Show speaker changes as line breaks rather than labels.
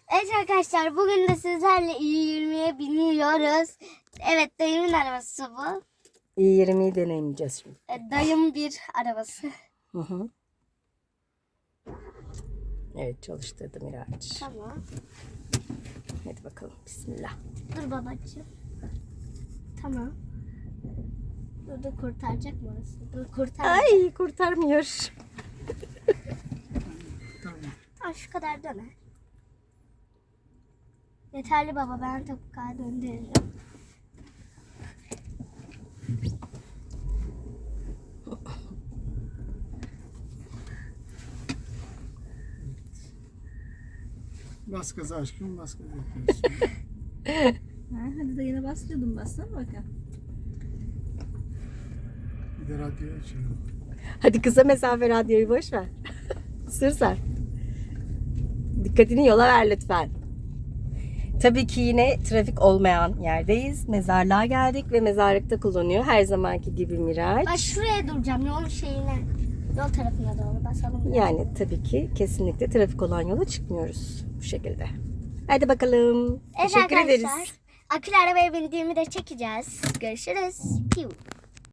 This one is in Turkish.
Evet arkadaşlar, bugün de sizlerle i20'ye biniyoruz. Evet, dayımın arabası bu.
i20'yi deneyimleyeceğiz şimdi.
Dayım bir arabası.
Hı hı. Evet, çalıştırdım Miraç.
Tamam.
Hadi bakalım, bismillah.
Dur babacığım. Tamam. Dur kurtaracak mı orası? Dur kurtaracak.
Ay, kurtarmıyor.
Aa, şu kadar döner. Yeterli baba, ben topuğa döndürürüm.
Bas gaza aşkım, bas gaza yapıyorsun.
Hadi de yine bas diyordum, bassana bakalım.
Bir de radyoyu açalım.
Hadi kısa mesafe radyoyu boş ver. Sür sen. Dikkatini yola ver lütfen. Tabii ki yine trafik olmayan yerdeyiz. Mezarlığa geldik ve mezarlıkta kullanıyor. Her zamanki gibi Miraç.
Ben şuraya duracağım, yolun şeyine. Yol tarafına doğru basalım. biraz.
Yani tabii ki kesinlikle trafik olan yola çıkmıyoruz bu şekilde. Hadi bakalım.
Evet
Teşekkür
arkadaşlar.
ederiz.
Akülü arabaya bindiğimi de çekeceğiz. Görüşürüz. Piu.